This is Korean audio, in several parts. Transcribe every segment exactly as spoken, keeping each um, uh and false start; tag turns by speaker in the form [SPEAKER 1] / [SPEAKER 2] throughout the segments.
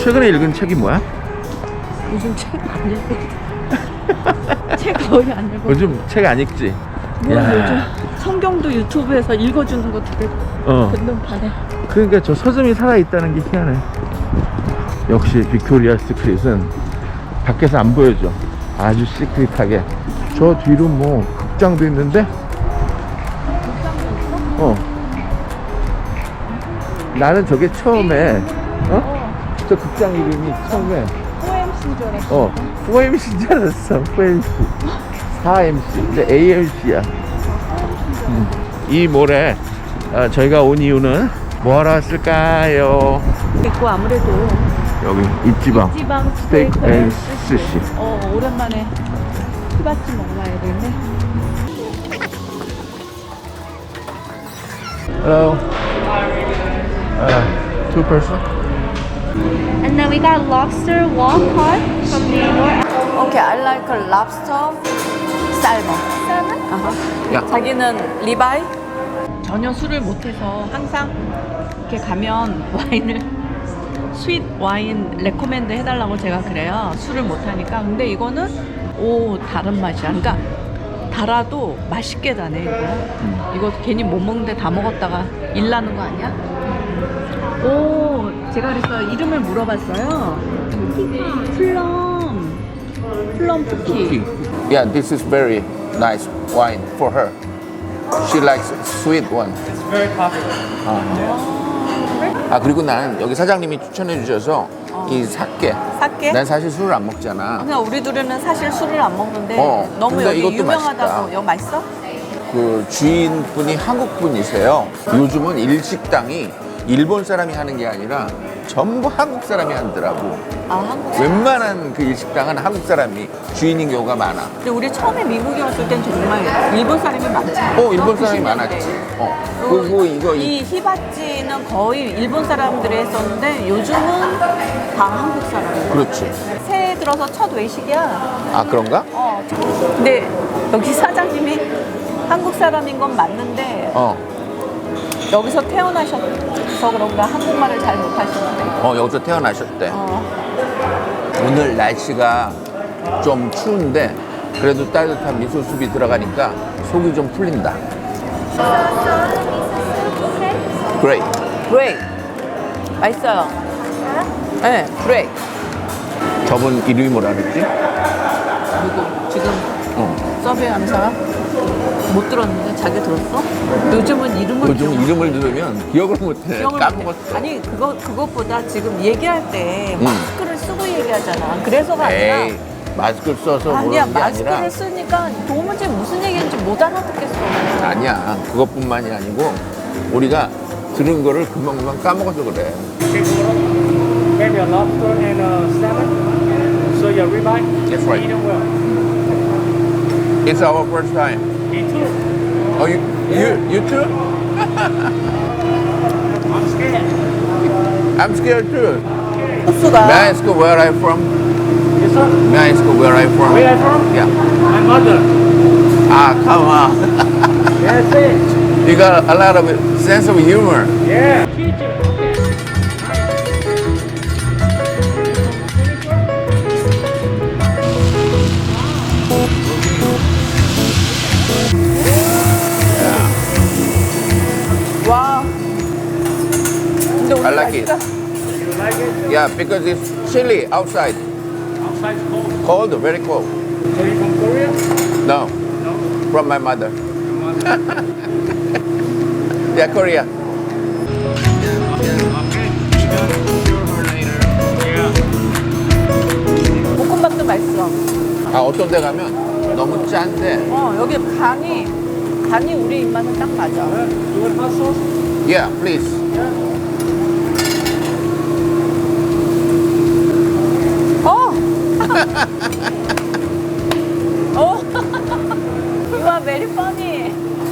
[SPEAKER 1] 최근에 읽은 책이 뭐야?
[SPEAKER 2] 요즘 책 안 읽고 책 거의 안 읽고
[SPEAKER 1] 요즘 책 안 읽지?
[SPEAKER 2] 뭐
[SPEAKER 1] 야.
[SPEAKER 2] 요즘 성경도 유튜브에서 읽어주는 거 들을
[SPEAKER 1] 어.
[SPEAKER 2] 듣는 판에
[SPEAKER 1] 그러니까 저 서점이 살아있다는 게 희한해. 역시 빅토리아 스크릿은 밖에서 안 보여줘. 아주 시크릿하게. 저 뒤로 뭐 극장도 있는데? 어. 나는 저게 처음에 어? 저 극장 이름이 처음에
[SPEAKER 2] 오엠씨인 줄 알았어.
[SPEAKER 1] 어 포엠씨인 줄 알았어. 포엠씨 사 엠씨 근데 에이엠씨야. 음. 이 모레 어, 저희가 온 이유는 뭐하러 왔을까요?
[SPEAKER 2] 있고 아무래도
[SPEAKER 1] 여기 입지방
[SPEAKER 2] 지방
[SPEAKER 1] 스테이크
[SPEAKER 2] 스테이크
[SPEAKER 1] 앤
[SPEAKER 2] 앤
[SPEAKER 1] 스시.
[SPEAKER 2] 스시. 어 오랜만에 히바찌 먹어봐야 되는데.
[SPEAKER 1] Hello. Uh, two person.
[SPEAKER 3] And then we got lobster wall cod from New York.
[SPEAKER 2] Okay, I like a lobster salmon.
[SPEAKER 3] Salmon?
[SPEAKER 2] 아하.
[SPEAKER 1] 야.
[SPEAKER 2] 자기는 리바이? 전혀 술을 못해서 항상 이렇게 가면 와인을 스윗 와인 레코멘드 해달라고 제가 그래요. 술을 못하니까. 근데 이거는 오 다른 맛이야. 그러니까 달아도 맛있게 다네 이거.
[SPEAKER 1] 음.
[SPEAKER 2] 이거 괜히 못 먹는데 다 먹었다가 일 나는 거 아니야? 오 제가 그래서 이름을 물어봤어요. 플럼 플럼 쿠키.
[SPEAKER 1] Yeah, this is very nice wine for her. She likes sweet one.
[SPEAKER 4] It's very popular.
[SPEAKER 1] 아 그리고 난 여기 사장님이 추천해 주셔서 이 사케.
[SPEAKER 2] 사케?
[SPEAKER 1] 난 사실 술을 안 먹잖아.
[SPEAKER 2] 그냥 우리 둘은 사실 술을 안 먹는데
[SPEAKER 1] 어,
[SPEAKER 2] 너무
[SPEAKER 1] 근데
[SPEAKER 2] 여기
[SPEAKER 1] 이것도
[SPEAKER 2] 유명하다고.
[SPEAKER 1] 맛있다.
[SPEAKER 2] 여기 맛있어?
[SPEAKER 1] 그 주인분이 한국 분이세요. 요즘은 일식당이 일본 사람이 하는 게 아니라 전부 한국 사람이 하더라고.
[SPEAKER 2] 아 한국 사람.
[SPEAKER 1] 웬만한 그 일식당은 한국 사람이 주인인 경우가 많아.
[SPEAKER 2] 근데 우리 처음에 미국에 왔을 땐 정말 일본 사람이 많잖아.
[SPEAKER 1] 어, 일본 사람이 많았지. 어. 그리고 이거 이
[SPEAKER 2] 이 히바찌는 거의 일본 사람들이 했었는데 요즘은 다 한국 사람이야.
[SPEAKER 1] 그렇지.
[SPEAKER 2] 새해 들어서 첫 외식이야.
[SPEAKER 1] 아 그런가?
[SPEAKER 2] 어. 근데 여기 사장님이 한국 사람인 건 맞는데
[SPEAKER 1] 어.
[SPEAKER 2] 여기서 태어나셔서 그런가 한국말을 잘 못하시는데.
[SPEAKER 1] 어 여기서 태어나셨대.
[SPEAKER 2] 어.
[SPEAKER 1] 오늘 날씨가 좀 추운데 그래도 따뜻한 미소숲이 들어가니까 속이 좀 풀린다. Great.
[SPEAKER 2] 브레이크. 맛있어요. 네, 브레이크.
[SPEAKER 1] 저분 이름이 뭐라 그랬지?
[SPEAKER 2] 누구? 지금
[SPEAKER 1] 어.
[SPEAKER 2] 서빙하는 사람? 못 들었는데 자기 들었어? 요즘은 이름을
[SPEAKER 1] 요즘
[SPEAKER 2] 기억-
[SPEAKER 1] 이름을 들으면 기억을 못해.
[SPEAKER 2] 기억을
[SPEAKER 1] 까먹었어.
[SPEAKER 2] 못해. 아니 그거 그것보다 지금 얘기할 때
[SPEAKER 1] 음.
[SPEAKER 2] 마스크를 쓰고 얘기하잖아. 그래서가 아니라
[SPEAKER 1] 에이 마스크를 써서
[SPEAKER 2] 아니야
[SPEAKER 1] 모르는 게
[SPEAKER 2] 마스크를
[SPEAKER 1] 아니라
[SPEAKER 2] 쓰니까 도무지 무슨 얘기인지 못 알아듣겠어.
[SPEAKER 1] 아니야. 그것뿐만이 아니고 우리가 들은 거를 금방금방 까먹어서 그래.
[SPEAKER 4] Maybe a lobster and a salmon. So your ribeye.
[SPEAKER 1] That's right.
[SPEAKER 4] Eat them well.
[SPEAKER 1] It's our first time.
[SPEAKER 4] Me too.
[SPEAKER 1] Oh, you you you too?
[SPEAKER 4] I'm scared.
[SPEAKER 1] I'm scared too.
[SPEAKER 2] 소스가
[SPEAKER 1] May I ask where I'm from?
[SPEAKER 4] Yes, sir.
[SPEAKER 1] May I ask where I'm from?
[SPEAKER 4] Where are you from?
[SPEAKER 1] Yeah.
[SPEAKER 4] My mother.
[SPEAKER 1] Ah, come on.
[SPEAKER 4] Yes, it.
[SPEAKER 1] You got a lot of sense of humor.
[SPEAKER 4] Yeah.
[SPEAKER 2] 와. 근데 오늘
[SPEAKER 1] I like it.
[SPEAKER 2] 날씨가
[SPEAKER 4] You like it?
[SPEAKER 1] Yeah, because it's chilly outside.
[SPEAKER 4] Outside's cold.
[SPEAKER 1] Cold, very cold.
[SPEAKER 4] So you from Korea?
[SPEAKER 1] No,
[SPEAKER 4] No.
[SPEAKER 1] from my mother.
[SPEAKER 4] Your mother.
[SPEAKER 1] Yeah, Korea.
[SPEAKER 4] Okay. Cure her later. Yeah.
[SPEAKER 2] 볶음밥도 맛있어.
[SPEAKER 1] 아, 어떤 데 가면 너무 짠데.
[SPEAKER 2] 어 여기 간이 간이 우리 입맛에 딱 맞아.
[SPEAKER 4] You want hot sauce?
[SPEAKER 1] Yeah, please.
[SPEAKER 2] 어. 어. You are very funny.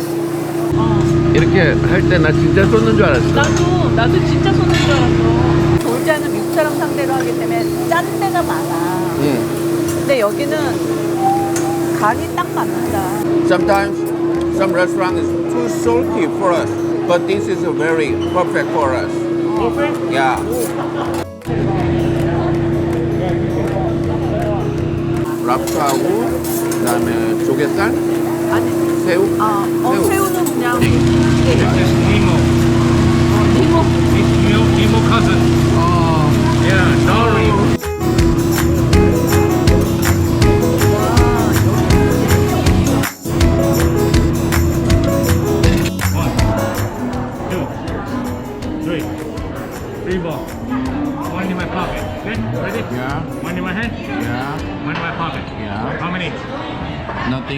[SPEAKER 1] 이렇게 할 때 나 진짜 쏟는 줄 알았어.
[SPEAKER 2] 나도 나도 진짜 쏟는 줄 알았어. 졸자는 미국 사람 상대로 하기 때문에 짠 데가 많아.
[SPEAKER 1] 음.
[SPEAKER 2] 근데 여기는 간이 딱 맞는다.
[SPEAKER 1] Sometimes some restaurant is too salty for us, but this is a very perfect for us.
[SPEAKER 4] Perfect.
[SPEAKER 1] Yeah. 밥하고 그다음에 조개살,
[SPEAKER 2] 아니,
[SPEAKER 1] 새우.
[SPEAKER 2] 아, 어,
[SPEAKER 1] 새우.
[SPEAKER 2] 새우는 그냥
[SPEAKER 4] This is Nemo.
[SPEAKER 2] 이모.
[SPEAKER 4] It's Nemo, Nemo cousin.
[SPEAKER 1] 어.
[SPEAKER 4] Yeah, Dory. One, two, three. Three ball. One in my pocket. Okay, ready?
[SPEAKER 1] Yeah.
[SPEAKER 4] One in my hand.
[SPEAKER 1] Yeah.
[SPEAKER 4] One in my pocket.
[SPEAKER 1] Yeah.
[SPEAKER 4] How many?
[SPEAKER 1] Nothing.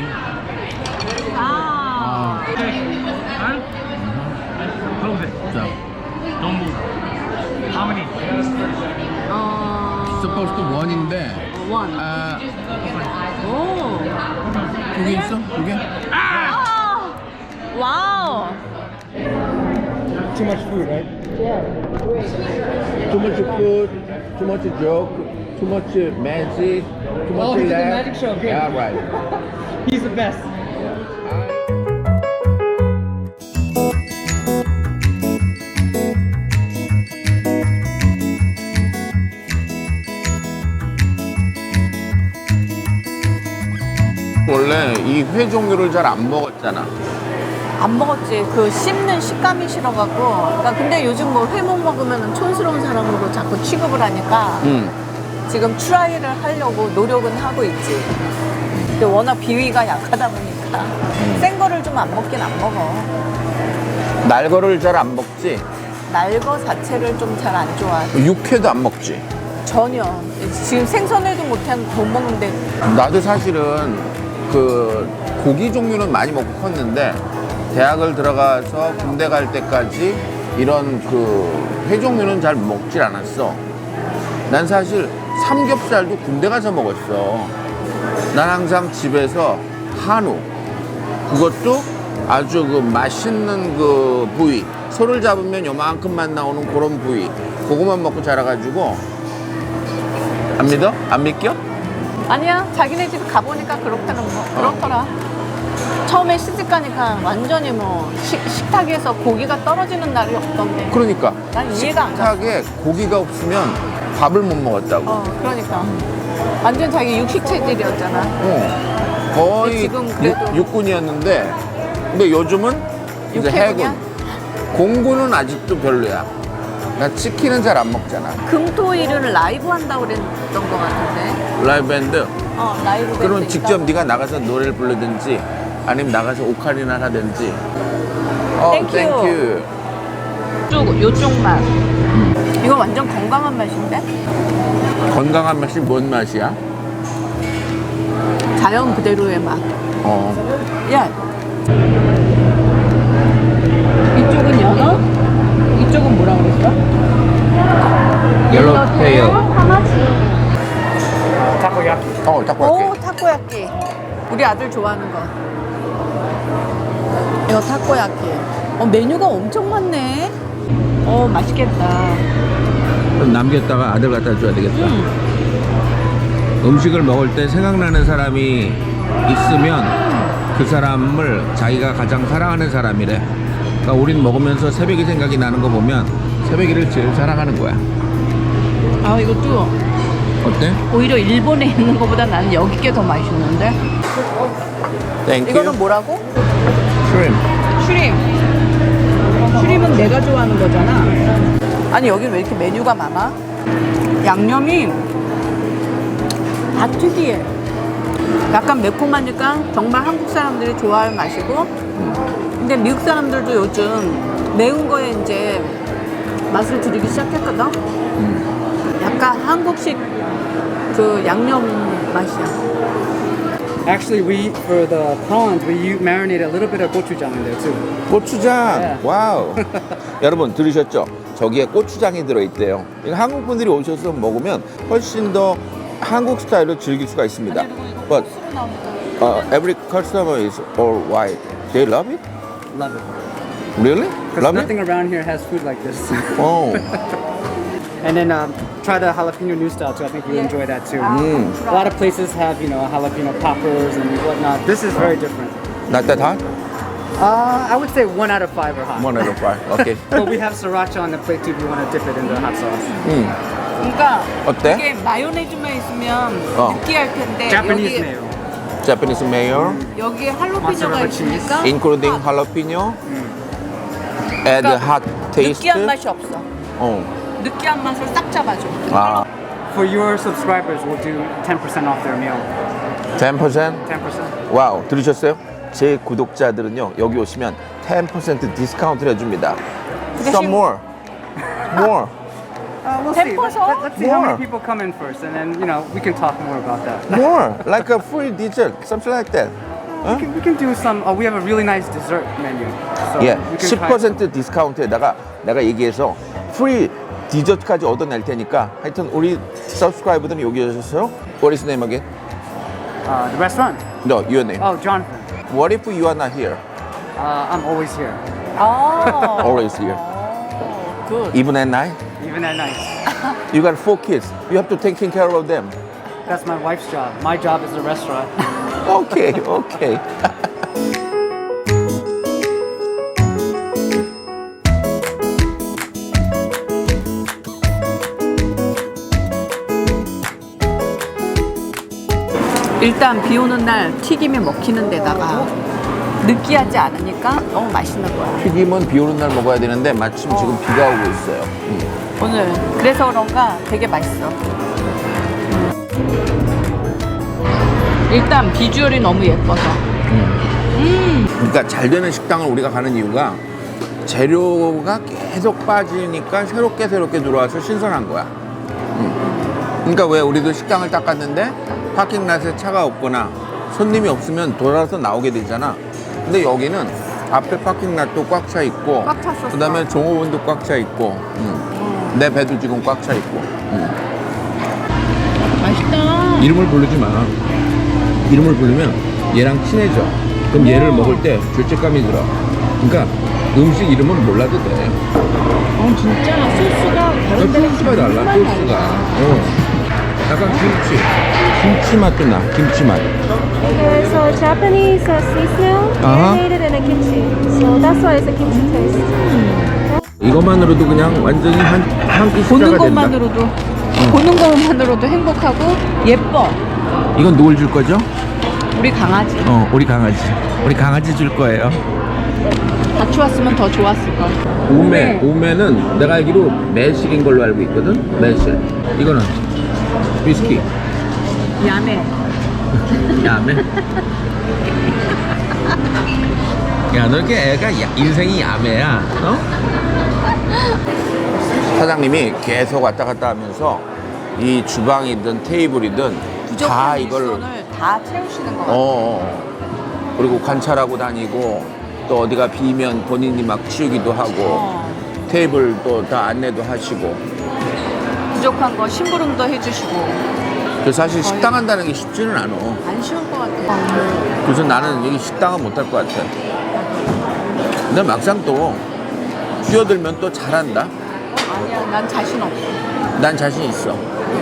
[SPEAKER 2] 아,
[SPEAKER 4] Okay. One. Close it.
[SPEAKER 1] 자.
[SPEAKER 4] Don't move. How many?
[SPEAKER 2] 어,
[SPEAKER 1] Supposed to one인데.
[SPEAKER 2] 원.
[SPEAKER 1] 아,
[SPEAKER 2] 오.
[SPEAKER 1] 두 개 있어? 두 개?
[SPEAKER 2] 아, 와우.
[SPEAKER 4] Too much food, right?
[SPEAKER 1] Too much food, too much joke, too much magic, too much
[SPEAKER 4] Oh, he did the
[SPEAKER 1] laugh.
[SPEAKER 4] magic show, okay.
[SPEAKER 1] Yeah, right.
[SPEAKER 4] He's the best.
[SPEAKER 1] 원래 이 회 종류를 잘 안 먹었잖아.
[SPEAKER 2] 안 먹었지. 그 씹는 식감이 싫어갖고. 그러니까 근데 요즘 뭐 회목 먹으면 촌스러운 사람으로 자꾸 취급을 하니까
[SPEAKER 1] 응.
[SPEAKER 2] 지금 트라이를 하려고 노력은 하고 있지. 근데 워낙 비위가 약하다 보니까 생 거를 좀 안 먹긴 안 먹어.
[SPEAKER 1] 날거를 잘 안 먹지.
[SPEAKER 2] 날거 자체를 좀 잘 안 좋아해.
[SPEAKER 1] 육회도 안 먹지.
[SPEAKER 2] 전혀. 지금 생선회도 못한 못 먹는데
[SPEAKER 1] 나도 사실은 그 고기 종류는 많이 먹고 컸는데 대학을 들어가서 군대 갈 때까지 이런 그 회 종류는 잘 먹질 않았어. 난 사실 삼겹살도 군대 가서 먹었어. 난 항상 집에서 한우, 그것도 아주 그 맛있는 그 부위, 소를 잡으면 요만큼만 나오는 그런 부위, 그거만 먹고 자라가지고. 안 믿어? 안 믿겨?
[SPEAKER 2] 아니야. 자기네 집 가보니까 그렇다는 거. 그렇더라. 처음에 시집 가니까 완전히 뭐 식, 식탁에서 고기가 떨어지는 날이 없던데.
[SPEAKER 1] 그러니까
[SPEAKER 2] 난 이해가 안 가.
[SPEAKER 1] 식탁에 고기가 없으면 밥을 못 먹었다고.
[SPEAKER 2] 어, 그러니까. 완전 자기 육식 체질이었잖아.
[SPEAKER 1] 어, 거의
[SPEAKER 2] 근데 지금 그래도-
[SPEAKER 1] 육, 육군이었는데 근데 요즘은 이제
[SPEAKER 2] 육해군이야?
[SPEAKER 1] 해군. 공군은 아직도 별로야. 나 치킨은 잘 안 먹잖아.
[SPEAKER 2] 금토일은 라이브 한다고 그랬던 것 같은데.
[SPEAKER 1] 라이브 밴드.
[SPEAKER 2] 어, 라이브 밴드
[SPEAKER 1] 그러면
[SPEAKER 2] 있다고.
[SPEAKER 1] 직접 네가 나가서 노래를 부르든지 아니면 나가서 오카리나 하든지. 어,
[SPEAKER 2] 땡큐.
[SPEAKER 1] 땡큐.
[SPEAKER 2] 요쪽, 요쪽 맛. 이거 완전 건강한 맛인데?
[SPEAKER 1] 건강한 맛이 뭔 맛이야?
[SPEAKER 2] 자연 그대로의 맛.
[SPEAKER 1] 어.
[SPEAKER 2] 야. 이쪽은 연어? 이쪽은 뭐라 그랬어?
[SPEAKER 1] 옐로테일.
[SPEAKER 4] Takoyaki.
[SPEAKER 1] 어, 딱
[SPEAKER 2] 오,
[SPEAKER 1] 볼게.
[SPEAKER 2] 타코야끼. 우리 아들 좋아하는 거. 이거 타코야끼. 어, 메뉴가 엄청 많네. 어, 맛있겠다.
[SPEAKER 1] 그럼 남겼다가 아들 갖다 줘야 되겠다.
[SPEAKER 2] 음.
[SPEAKER 1] 음식을 먹을 때 생각나는 사람이 있으면 그 사람을 자기가 가장 사랑하는 사람이래. 그러니까 우린 먹으면서 새벽이 생각이 나는 거 보면 새벽이를 제일 사랑하는 거야.
[SPEAKER 2] 아, 이것도
[SPEAKER 1] 어때?
[SPEAKER 2] 오히려 일본에 있는 것보다 나는 여기 게 더 맛있는데?
[SPEAKER 1] 땡큐.
[SPEAKER 2] 이거는 뭐라고?
[SPEAKER 1] 슈림.
[SPEAKER 2] 슈림. 슈림은 내가 좋아하는 거잖아. 아니, 여긴 왜 이렇게 메뉴가 많아? 양념이 다 특이해. 약간 매콤하니까 정말 한국 사람들이 좋아할 맛이고, 근데 미국 사람들도 요즘 매운 거에 이제 맛을 들이기 시작했거든? 약간 한국식 그 양념 맛이야.
[SPEAKER 5] Actually, we for the prawns we u- marinate a little bit of gochujang in there too.
[SPEAKER 1] 고추장.
[SPEAKER 5] 네.
[SPEAKER 1] 와우. 여러분 들으셨죠? 저기에 고추장이 들어있대요. 이거 한국 분들이 오셔서 먹으면 훨씬 더 한국 스타일로 즐길 수가 있습니다. But uh, every customer is all white. They love it?
[SPEAKER 5] Love it.
[SPEAKER 1] Really?
[SPEAKER 5] Because
[SPEAKER 1] Love
[SPEAKER 5] nothing
[SPEAKER 1] it?
[SPEAKER 5] around here has food like this.
[SPEAKER 1] Oh.
[SPEAKER 5] And then um, try the jalapeno new style too. I think you enjoy that too.
[SPEAKER 1] Mm.
[SPEAKER 5] A lot of places have you know jalapeno poppers and whatnot. This is very different.
[SPEAKER 1] Not that hot?
[SPEAKER 5] Uh, I would say one out of five are hot.
[SPEAKER 1] One out of five. Okay.
[SPEAKER 5] But we have sriracha on the plate too if you want to dip it in the hot sauce.
[SPEAKER 1] 음.
[SPEAKER 2] 그러니까
[SPEAKER 1] 어때?
[SPEAKER 2] 이게 마요네즈만 있으면
[SPEAKER 1] 어.
[SPEAKER 2] 느끼할 텐데
[SPEAKER 5] Japanese
[SPEAKER 2] 여기,
[SPEAKER 5] mayo.
[SPEAKER 1] Japanese mayo,
[SPEAKER 2] 여기에 할로피뇨가
[SPEAKER 5] Mozzarella
[SPEAKER 2] 있으니까
[SPEAKER 1] including
[SPEAKER 2] 아,
[SPEAKER 1] jalapeno, add
[SPEAKER 2] 그러니까
[SPEAKER 1] hot taste.
[SPEAKER 2] 느끼한 맛이 없어.
[SPEAKER 1] 어.
[SPEAKER 2] 느끼한 맛을 싹 잡아줘.
[SPEAKER 1] 아,
[SPEAKER 5] For your subscribers, we'll do ten percent off their meal.
[SPEAKER 1] ten percent?
[SPEAKER 5] ten percent.
[SPEAKER 1] 와우, 들으셨어요? 제 구독자들은요, 여기 오시면 ten percent 디스카운트를 해줍니다. Some more. More.
[SPEAKER 5] Uh, we'll
[SPEAKER 2] ten
[SPEAKER 5] see. Let's,
[SPEAKER 2] percent?
[SPEAKER 5] let, let's see how
[SPEAKER 1] More.
[SPEAKER 5] many people come in first, and then you know we can talk more about that.
[SPEAKER 1] More. Like a free dessert. Something like that.
[SPEAKER 5] We can, we can do some. Uh, we have a really nice dessert menu. So
[SPEAKER 1] 예,
[SPEAKER 5] we can
[SPEAKER 1] ten
[SPEAKER 5] try
[SPEAKER 1] percent 디스카운트에다가 내가 얘기해서 프리 디저트까지 얻어낼 테니까 하여튼 우리 서브스크라이버들은 여기 오셔서 What is name again?
[SPEAKER 5] Uh, the restaurant.
[SPEAKER 1] No, your name.
[SPEAKER 5] Oh, Jonathan.
[SPEAKER 1] What if you are not here?
[SPEAKER 5] Uh, I'm always here,
[SPEAKER 2] 아.
[SPEAKER 1] Always here.
[SPEAKER 2] 굿.
[SPEAKER 1] Even at night?
[SPEAKER 5] even at night.
[SPEAKER 1] You got four kids. You have to take care of them.
[SPEAKER 5] That's my wife's job. My job is the restaurant.
[SPEAKER 1] Okay, okay.
[SPEAKER 2] 일단 비 오는 날 튀김이 먹히는 데다가 느끼하지 않으니까 너무 맛있는 거야.
[SPEAKER 1] 튀김은 비 오는 날 먹어야 되는데 마침 지금 비가 오고 있어요. 음.
[SPEAKER 2] 오늘 그래서 그런가 되게 맛있어. 일단 비주얼이 너무 예뻐서.
[SPEAKER 1] 그러니까 잘 되는 식당을 우리가 가는 이유가 재료가 계속 빠지니까 새롭게 새롭게 들어와서 신선한 거야. 음. 그러니까 왜 우리도 식당을 딱 갔는데 파킹랏에 차가 없거나 손님이 없으면 돌아서 나오게 되잖아. 근데 여기는 앞에 파킹랏도 꽉 차 있고,
[SPEAKER 2] 꽉 찼었어.
[SPEAKER 1] 그다음에 종업원도 꽉 차 있고, 음. 내 배도 지금 꽉 차 있고. 음.
[SPEAKER 2] 맛있다.
[SPEAKER 1] 이름을 부르지 마. 이름을 부르면 얘랑 친해져. 그럼 얘를 먹을 때 죄책감이 들어. 그러니까 음식 이름은 몰라도 돼.
[SPEAKER 2] 어 진짜 소스가 다른 데랑
[SPEAKER 1] 소스가 달라,
[SPEAKER 2] 정말
[SPEAKER 1] 소스가.
[SPEAKER 2] 달라.
[SPEAKER 1] 어. 약간 김치. 김치 맛도 나, 김치 맛.
[SPEAKER 3] There's a Japanese uh, sea snail
[SPEAKER 1] Uh-huh.
[SPEAKER 3] marinated in a kimchi. So that's why it's a kimchi taste.
[SPEAKER 1] 이것만으로도 그냥 완전히 한, 한 끼
[SPEAKER 2] 보는
[SPEAKER 1] 식사가 된다.
[SPEAKER 2] 것만으로도 보는 것만으로도 행복하고 예뻐.
[SPEAKER 1] 이건 누굴 줄 거죠?
[SPEAKER 2] 우리 강아지.
[SPEAKER 1] 어, 우리 강아지. 우리 강아지 줄 거예요.
[SPEAKER 2] 같이 왔으면 더 좋았을 걸.
[SPEAKER 1] 오메, 오메는 내가 알기로 매실인 걸로 알고 있거든. 매실. 이거는 위스키.
[SPEAKER 2] 야매.
[SPEAKER 1] 야매. 야, 너 이렇게 애가 야- 인생이 야매야. 어? 사장님이 계속 왔다 갔다 하면서 이 주방이든 테이블이든 다
[SPEAKER 2] 부족한
[SPEAKER 1] 이걸
[SPEAKER 2] 일손을 다 채우시는 것
[SPEAKER 1] 어,
[SPEAKER 2] 같아요.
[SPEAKER 1] 어. 그리고 관찰하고 다니고 또 어디가 비면 본인이 막 치우기도 하고
[SPEAKER 2] 어.
[SPEAKER 1] 테이블도 다 안내도 하시고.
[SPEAKER 2] 부족한 거 심부름도 해주시고.
[SPEAKER 1] 그래서 사실 식당 한다는 게 쉽지는 않아.
[SPEAKER 2] 안 쉬울 것 같아.
[SPEAKER 1] 그래서 나는 여기 식당은 못 할 것 같아. 근데 막상 또 뛰어들면 또 잘한다.
[SPEAKER 2] 아니야, 난 자신 없어.
[SPEAKER 1] 난 자신 있어.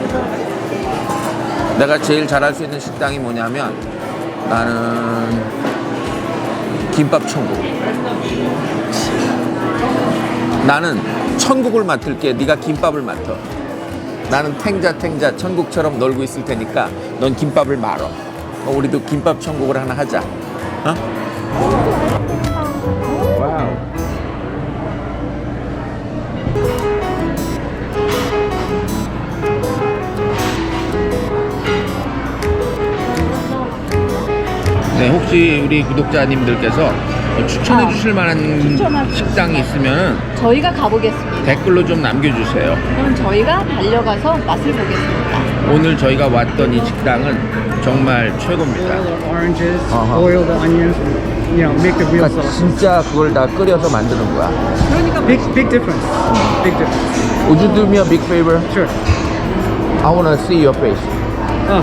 [SPEAKER 1] 내가 제일 잘할 수 있는 식당이 뭐냐면 나는 김밥 천국. 나는 천국을 맡을게. 네가 김밥을 맡아. 나는 탱자 탱자 천국처럼 놀고 있을 테니까 넌 김밥을 말어. 어, 우리도 김밥 천국을 하나 하자. 어? 와우. 네, 혹시 우리 구독자님들께서 추천해 주실 만한
[SPEAKER 2] 추천하죠.
[SPEAKER 1] 식당이 있으면
[SPEAKER 2] 저희가 가보겠습니다.
[SPEAKER 1] 댓글로 좀 남겨주세요.
[SPEAKER 2] 그럼 저희가 달려가서 맛을 보겠습니다.
[SPEAKER 1] 오늘 저희가 왔던 이 식당은 정말 최고입니다.
[SPEAKER 5] Boil the oranges,
[SPEAKER 1] Uh-huh.
[SPEAKER 5] boil the onions, you know, make the real
[SPEAKER 1] 그러니까
[SPEAKER 5] sauce.
[SPEAKER 1] 진짜 그걸 다 끓여서 만드는 거야.
[SPEAKER 5] Big, big difference. Big difference.
[SPEAKER 1] Would you do me a big favor?
[SPEAKER 5] Sure.
[SPEAKER 1] I wanna see your face.
[SPEAKER 5] Oh.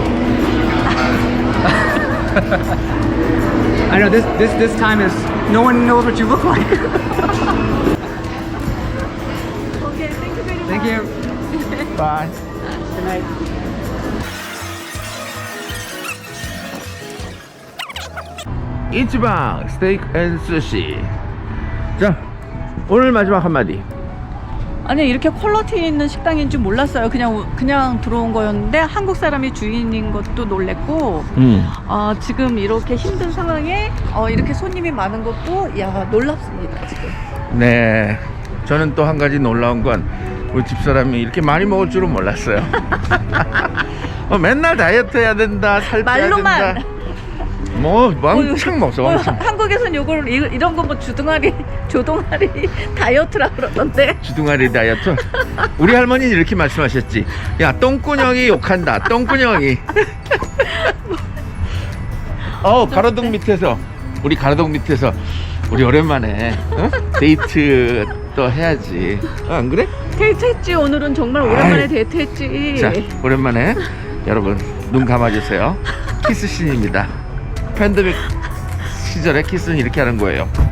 [SPEAKER 5] I know this this this time is no one knows what you look like.
[SPEAKER 3] Okay, thank you very much.
[SPEAKER 5] Thank you.
[SPEAKER 1] Bye.
[SPEAKER 5] Good night.
[SPEAKER 1] 이치방 스테이크 앤 스시. 자, 오늘 마지막 한마디.
[SPEAKER 2] 아니 이렇게 퀄리티 있는 식당인 줄 몰랐어요. 그냥 그냥 들어온 거였는데 한국 사람이 주인인 것도 놀랬고
[SPEAKER 1] 음.
[SPEAKER 2] 어, 지금 이렇게 힘든 상황에 어, 이렇게 손님이 많은 것도 야 놀랍습니다 지금.
[SPEAKER 1] 네. 저는 또 한 가지 놀라운 건 우리 집사람이 이렇게 많이 먹을 줄은 몰랐어요. 어, 맨날 다이어트 해야 된다, 살 빼야
[SPEAKER 2] 말로만.
[SPEAKER 1] 된다. 뭐 왕창 먹어,
[SPEAKER 2] 어,
[SPEAKER 1] 왕창.
[SPEAKER 2] 한국에선 요걸 이- 이런 거 뭐 주둥아리 조동아리 다이어트라 그러던데.
[SPEAKER 1] 주둥아리 다이어트. 우리 할머니는 이렇게 말씀하셨지. 야, 똥꾸녕이 욕한다. 똥꾸녕이. 어, 가로등 밑에서 우리 가로등 밑에서 우리 오랜만에 어? 데이트 또 해야지. 어, 안 그래?
[SPEAKER 2] 데이트했지. 오늘은 정말 오랜만에
[SPEAKER 1] 아이.
[SPEAKER 2] 데이트했지.
[SPEAKER 1] 자, 오랜만에 여러분 눈 감아주세요. 키스신입니다. 팬데믹 시절에 키스는 이렇게 하는 거예요.